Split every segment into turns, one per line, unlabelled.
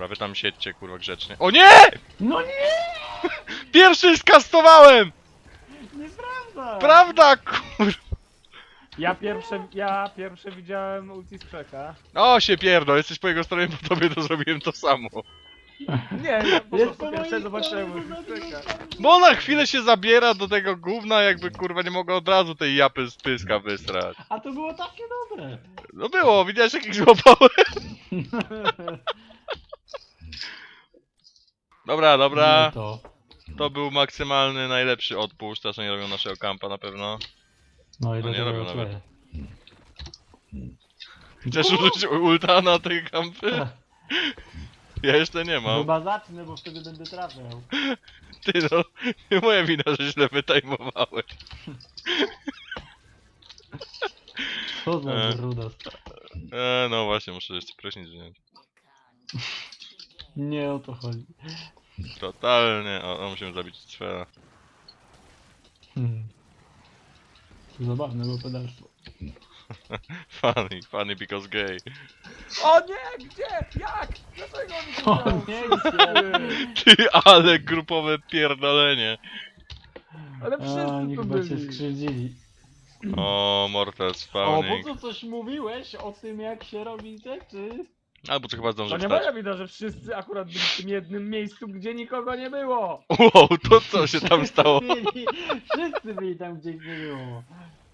Dobra, wy tam siedźcie, kurwa, grzecznie. O nie!
No nie!
Pierwszy skastowałem!
Nieprawda!
Prawda, kurwa!
Ja pierwsze widziałem ulti z krzaka.
O, się pierdol, jesteś po jego stronie, po tobie to zrobiłem to samo.
Nie, ja po
Jest
prostu
po
pierwsze
mojej
zobaczyłem
stronie,
ulti z
bo
krzaka.
zabił
Bo na chwilę się zabiera do tego gówna, jakby kurwa nie mogła od razu tej japy z pyska wysrać.
A to było takie dobre.
No było, widziałeś jak ich złapałem? Dobra,
Nie
dobra.
to.
To był maksymalny, najlepszy odpuść, teraz nie robią naszego kampa na pewno.
No i
No
do
nie
tego
robią nawet.
play.
Chcesz użyć ulta na tej kampy? Ja jeszcze nie mam.
Chyba zacznę, bo wtedy będę trafiał.
Ty no, nie moja wina, że źle wytajmowałeś.
Co za
E.
brudas.
No właśnie, muszę jeszcze prysznic wziąć.
Nie o to chodzi.
Totalnie. O, musimy zabić sfera.
Hmm. Zabawne, bo pedalstwo.
Funny because gay.
O nie, gdzie? Jak? Dlaczego on mi to
O
dał?
nie, nie.
Ty, ale grupowe pierdolenie.
Ale
A,
wszyscy
oni
tu
chyba cię
byli.
skrzywdzili.
O, Mortal
O,
spawning.
po co coś mówiłeś o tym, jak się robi rzeczy?
Albo czy chyba
To
zdąży
nie
wstać.
moja wina, że wszyscy akurat byli w tym jednym miejscu, gdzie nikogo nie było.
Wow, to co się tam stało?
Wszyscy byli tam, gdzie ich nie było.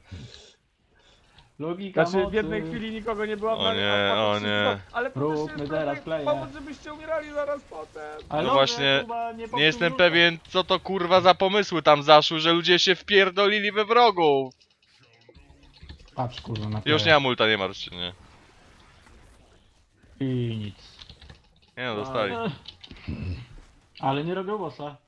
Logika
Znaczy w
mocy.
jednej chwili nikogo nie było,
O nie,
a
o
potem
nie.
wszyscy- Ale to też
Róbmy
jest
teraz playa.
powód, żebyście umierali zaraz potem.
Ale
No
dobrze,
właśnie,
chyba
Nie jestem
powtórzył.
pewien, co to kurwa za pomysły tam zaszły, że ludzie się wpierdolili we wrogów.
Patrz kurwa na
Już nie
playa.
mam multa, nie martw się, nie.
I nic.
Nie no, dostali.
Ale nie robią bossa.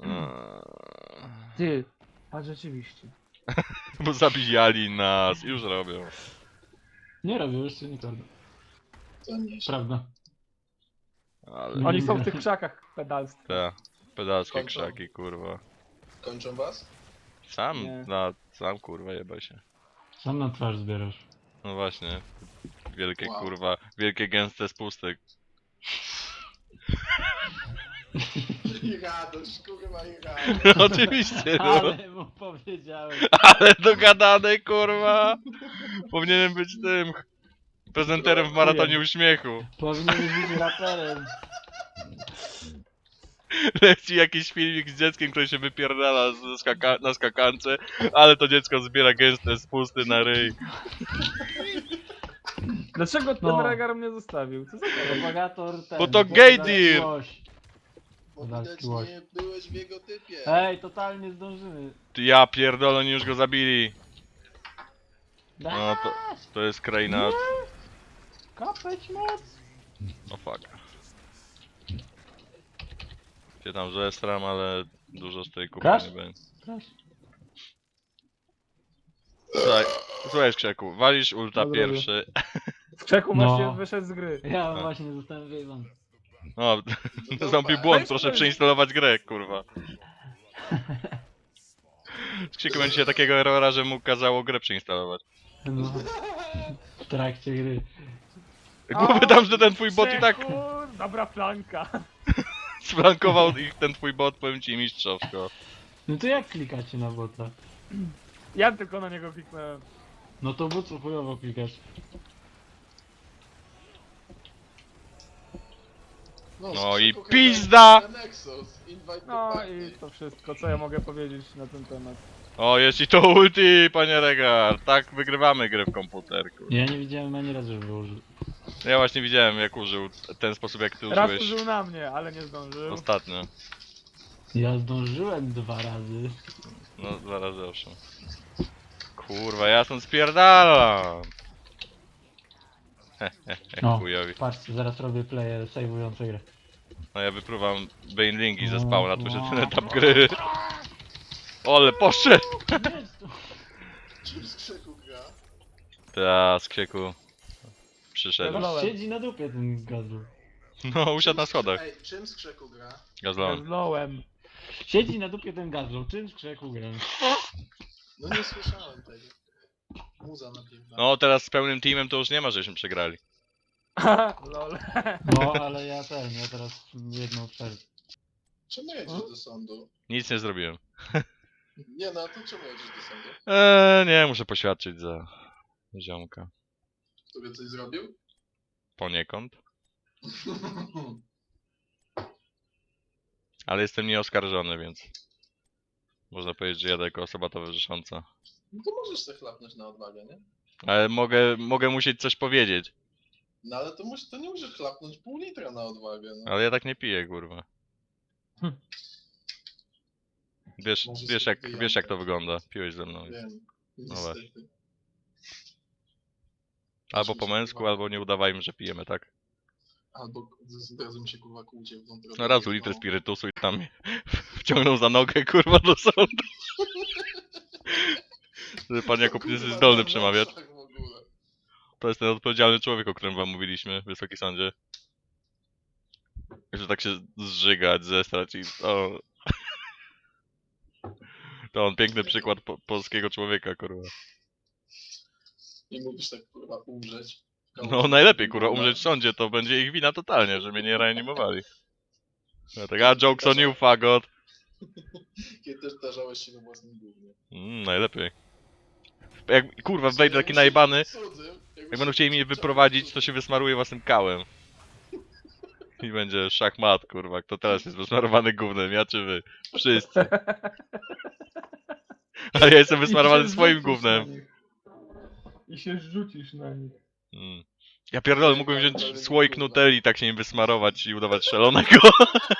Ty, a rzeczywiście.
Bo zabijali nas, już robią.
Nie robią, jeszcze nie robią.
To nie się.
Prawda.
Ale
Oni są w tych krzakach pedalstwa.
te pedalskie
Kończą.
krzaki, kurwa.
Kończą was?
Sam,
Nie.
sam kurwa jebaj się.
Sam na twarz zbierasz.
No właśnie. Wielkie
Wow.
kurwa, wielkie gęste spusty.
I radość, kurwa, i radość.
Oczywiście, no.
Ale mu powiedziałem.
Ale dogadane kurwa. Powinienem być tym prezenterem w maratonie uśmiechu.
Powinieneś być raperem.
Leci jakiś filmik z dzieckiem, które się wypierdala na skakance, ale to dziecko zbiera gęste spusty na ryj.
Dlaczego ten
No.
regar mnie zostawił? Co za to?
Propagator ten.
Bo to
bo
gay
to
deal.
łoś.
Bo
Dalski
widać
łoś.
nie byłeś w jego typie.
Ej, totalnie zdążymy.
Ty, ja pierdolę, oni już go zabili. No to jest kraina.
Kapeć moc.
O fuck. Cię tam zestram, ale dużo z tej kupy
Krasz?
nie będzie.
Proszę.
Słuchaj Krzeku, walisz ulta
Dobra,
pierwszy.
W krzaku
No.
właśnie wyszedł z gry.
Ja właśnie zostałem wyjebany.
O,
To
nastąpił
dupa.
błąd,
Weź
proszę
ktoś-
przeinstalować grę, kurwa. Z Krzyku będzie się takiego errora, że mu kazało grę przeinstalować.
No. W trakcie gry.
Głowy tam, że ten twój bot i tak
Krzeku, dobra flanka.
sflankował ich ten twój bot, powiem ci mistrzowsko.
No to jak klikacie na bota?
Ja tylko na niego kliknąłem.
No to bo co chujowo klikasz?
No i
skrzydło
pizda!
na Nexus, invite to
No
party.
i to wszystko, co ja mogę powiedzieć na ten temat.
O, jeśli to ulti, panie Regar, tak wygrywamy grę w komputerku.
Ja nie widziałem ani razu, żeby użył.
Ja właśnie widziałem, jak użył ten sposób, jak ty
Raz
użyłeś
użył na mnie, ale nie zdążył.
ostatnio.
Ja zdążyłem 2 razy.
No, zaraz owszem. Kurwa, ja stąd spierdalam!
No.
Chujowi.
Patrzcie, zaraz robię player save'ujące grę.
No ja wypruwam Banelingi ze
No,
spawna, tu się
no.
ten etap gry. Ole, poszedł!
Jest tu.
Czym z krzyku gra?
Ta, z krzyku. Przyszedł.
Dobra.
Siedzi na dupie ten gazlu.
No, usiadł na schodach.
Ej, czym z krzyku gra?
Gazlon.
Zlołem.
Siedzi na dupie ten gazlu. Czym z krzeku gram?
No nie słyszałem tego. Muza napięta.
No, teraz z pełnym teamem to już nie ma, żeśmy przegrali.
Lol.
No, ale ja teraz jedną przerwę.
Czemu jedziesz do sądu?
Nic nie zrobiłem.
Nie no, to czemu jedziesz do sądu?
Nie, muszę poświadczyć za ziomka.
Który coś zrobił?
Poniekąd. Ale jestem nieoskarżony, więc można powiedzieć, że jadę jako osoba towarzysząca.
No to możesz sobie chlapnąć na odwagę, nie?
Ale mogę musieć coś powiedzieć.
No ale to nie musisz chlapnąć pół litra na odwagę, no.
Ale ja tak nie piję, kurwa. Wiesz,
Może
wiesz,
sobie
wiesz jak to
wyjątek.
wygląda. Piłeś ze mną.
Wiem.
No
Niestety.
Albo po męsku, albo nie udawajmy, że pijemy, tak?
Albo zrazu mi się kurwa kłudzie w tą drogę.
No razu litr spirytusu i tam mnie wciągnął za nogę, kurwa, do sądu. Że pan Jakub nie jest zdolny przemawiać. To jest ten odpowiedzialny człowiek, o którym wam mówiliśmy, Wysoki Sądzie. Że tak się zżygać, zestrać i... O. To on piękny przykład polskiego człowieka, kurwa.
Nie mówisz tak kurwa umrzeć.
No najlepiej, kurwa, umrzeć w sądzie, to będzie ich wina totalnie, że mnie nie reanimowali. Ja tak, a jokes on you, fagot.
Kiedy też zdarzałeś się we własnym gównie.
Najlepiej. Jak, kurwa, wejdę taki najebany, jak będą chcieli mnie wyprowadzić, to się wysmaruję własnym kałem. I będzie szachmat, kurwa, kto teraz jest wysmarowany gównem, ja czy wy? Wszyscy. A ja jestem wysmarowany
I się
swoim
rzucisz
gównem.
na nich. I się rzucisz na nich.
Ja pierdolę, mógłbym wziąć słoik nutelli, tak się nim wysmarować i udawać szalonego.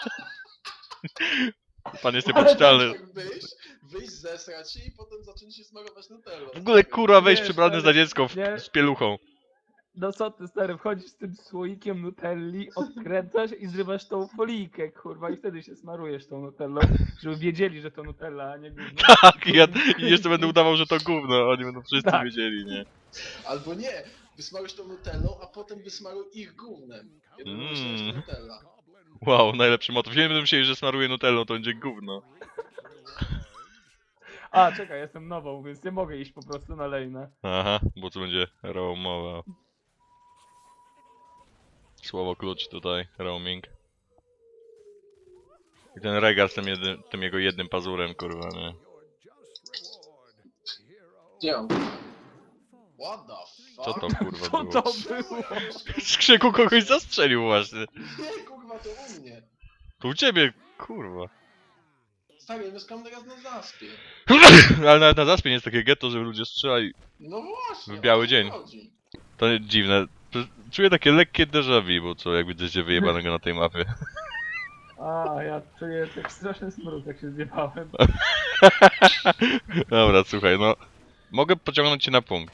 Pan jest niepoczytalny.
Tak wyjść, zesrać się i potem zacząć się smarować Nutellą.
W ogóle, kurwa, wejść
Nie,
przebrany za
stary,
dziecko
nie.
z pieluchą.
No co ty stary, wchodzisz z tym słoikiem nutelli, odkręcasz i zrywasz tą folijkę, kurwa, i wtedy się smarujesz tą nutellą, żeby wiedzieli, że to nutella, a nie gówno.
Tak, i jeszcze będę udawał, że to gówno, oni będą wszyscy
Tak.
wiedzieli, nie?
Albo nie, wysmarujesz tą Nutellą, a potem wysmaruj ich gównem. Kiedy myślałeś Nutella.
Wow, najlepszy motyw. Nie będę myśleli, że smaruję nutellą, to będzie gówno.
A, czekaj, jestem nową, więc nie mogę iść po prostu na lejnę.
Aha, bo tu będzie roamowa. Słowo klucz tutaj, roaming. I ten regar z tym jego jednym pazurem, kurwa, nie?
Gdzie on? What the fuck?
Co to kurwa
Co
było?
to było?
Z krzyku kogoś zastrzelił właśnie.
Nie, kurwa, to u mnie.
To u ciebie, kurwa.
Stary, mieszkam teraz na zaspie.
Ale nawet na zaspie nie jest takie getto, żeby ludzie strzelali.
No właśnie.
W biały
o to
dzień.
chodzi.
To dziwne. Czuję takie lekkie déjà vu, bo co, jak widzicie wyjebanego na tej mapie.
A, ja czuję tak straszny smród, jak się zjebałem.
Dobra, słuchaj, no. Mogę pociągnąć cię na punkt.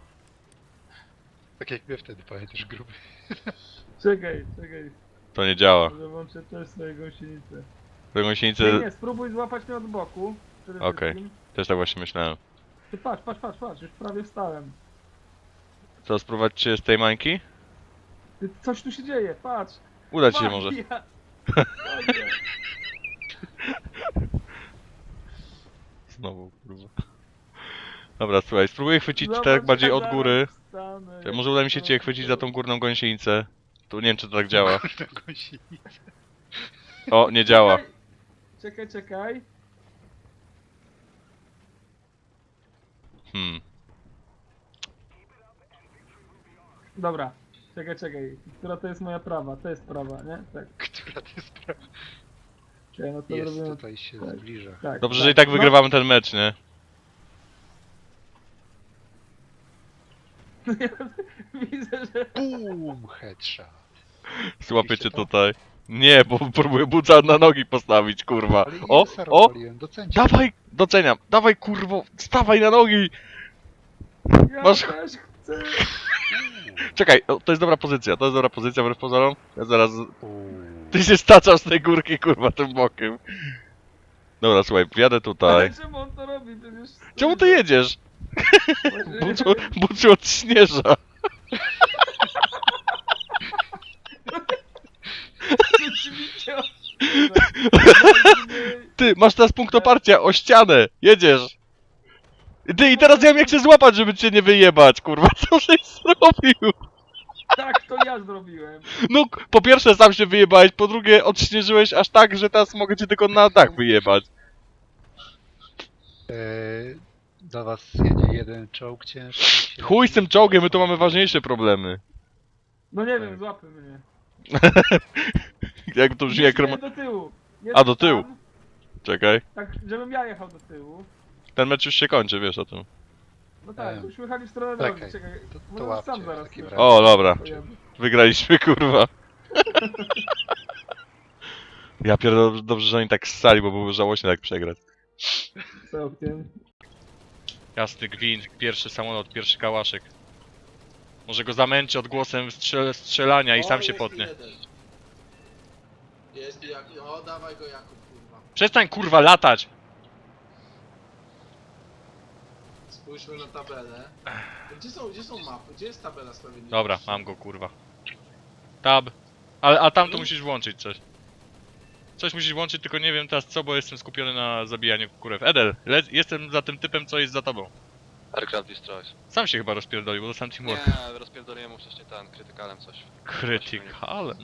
Tak jak mnie wtedy, pamiętasz, gruby.
Czekaj,
To nie działa.
może włączę też swoje gąsienicę.
Tę
Nie,
gąsienicę
nie, spróbuj złapać mnie od boku. przede
Okej.
wszystkim.
też tak właśnie myślałem.
Ty patrz, już prawie wstałem.
Co, spróbować cię z tej mańki?
Ty, coś tu się dzieje, patrz.
Uda ci się może.
Magia. Magia.
Znowu, kurwa. Dobra, słuchaj, spróbuję chwycić
Zobacz,
tak bardziej
jak
od
zaraz
góry.
wstanę,
To może uda mi się cię chwycić za tą górną gąsienicę. Tu nie wiem, czy to tak działa. O, nie działa.
Czekaj. Dobra. Czekaj. Która to jest moja prawa? To jest prawa, nie? Tak.
Która to jest prawa?
Czekaj, no to
Jest,
robimy...
tutaj się
tak.
zbliża.
Tak,
Dobrze, że i tak
No,
wygrywamy ten mecz, nie?
widzę, że...
Boom, headshot.
Złapię cię tutaj. Nie, bo próbuję buca na nogi postawić, kurwa.
Ale
O,
Ilsa
o!
rozwaliłem, docencie.
Dawaj, doceniam. Dawaj, kurwo, stawaj na nogi.
Ja
Masz-
też chcę...
Czekaj, to jest dobra pozycja, wbrew pozorom. Ja zaraz...
Uuu.
Ty się staczasz z tej górki, kurwa, tym bokiem. Dobra, słuchaj, wjadę tutaj.
Ale czemu on to robi? Przecież...
Czemu ty jedziesz? Buciu od śnieża.
Rzeczywiście...
Ty, masz teraz punkt oparcia o ścianę. Jedziesz. Ty, i teraz ja wiem jak się złapać, żeby cię nie wyjebać, kurwa. Co żeś zrobił?
Tak, to ja zrobiłem.
No, po pierwsze sam się wyjebałeś, po drugie odśnieżyłeś aż tak, że teraz mogę cię tylko na dach wyjebać.
Do was jedzie jeden czołg ciężki.
Chuj z tym czołgiem, my tu mamy ważniejsze problemy.
No nie wiem, złapy mnie.
Jak to brzmi jak
Jedź do tyłu. Jedź
A, do tyłu.
tam,
Czekaj.
tak, żebym ja jechał do tyłu.
Ten mecz już się kończy, wiesz o tym.
No tak,
Em,
już jechali w stronę
czekaj,
drogi, czekaj.
to
Może
łapcie
sam
w
zaraz
takim
tu
razie.
O, dobra.
pojadę.
Wygraliśmy, kurwa. Ja pierdolę, dobrze, że oni tak ssali, bo byłoby żałośnie tak przegrać.
Całkiem.
Jasny gwint, pierwszy samolot, pierwszy kałaszek. Może go zamęczy odgłosem strzelania i
O,
sam się
jest
potnie.
jeden. Jest Jakub. O, dawaj go Jakub, kurwa.
Przestań kurwa latać!
Spójrzmy na tabelę. Gdzie są mapy? Gdzie jest tabela sprawiedliwości?
Dobra, mam go kurwa. Tab. A tam to musisz włączyć coś. Coś musisz włączyć, tylko nie wiem teraz co, bo jestem skupiony na zabijaniu kurew. Edel, jestem za tym typem, co jest za tobą.
Aircraft Destroys.
Sam się chyba rozpierdolił, bo dostałem teamwork.
Nie, rozpierdoliłem mu wcześniej ten, krytykalem coś.
Krytykalem.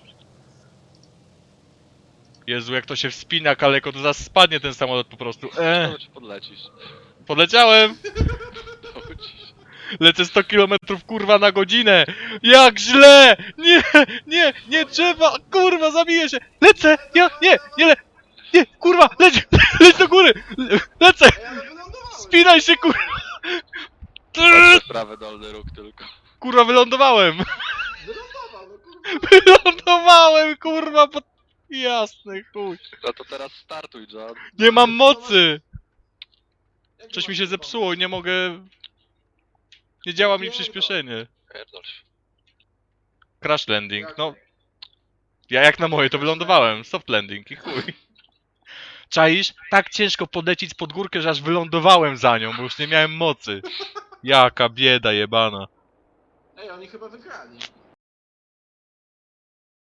Jezu, jak to się wspina kaleko, to zaraz spadnie ten samolot po prostu.
To ci podlecisz.
Podleciałem!
Dołcisz.
Lecę 100 km kurwa na godzinę! Jak źle! Nie, nie, nie trzeba! Kurwa, zabiję się! Lecę! Nie, kurwa, leć do góry! Lecę!
Ej, ale wylądowałem!
Spinaj się, kurwa!
Patrzę w prawy dolny róg tylko.
Kurwa, wylądowałem!
Wylądował, no kurwa.
Wylądowałem, kurwa, pod... Jasny chuj.
No to teraz startuj, John.
Nie mam mocy!
Jak
Coś
masz
mi się
pomysł?
zepsuło i nie mogę... Nie działa mi
Pierdol.
przyspieszenie.
Pierdol się.
Crash landing,
Jak-
no... Ja jak na moje to wylądowałem, soft landing i chuj. Czaisz? Tak ciężko podlecieć pod górkę, że aż wylądowałem za nią, bo już nie miałem mocy. Jaka bieda jebana.
Ej, oni chyba wygrali.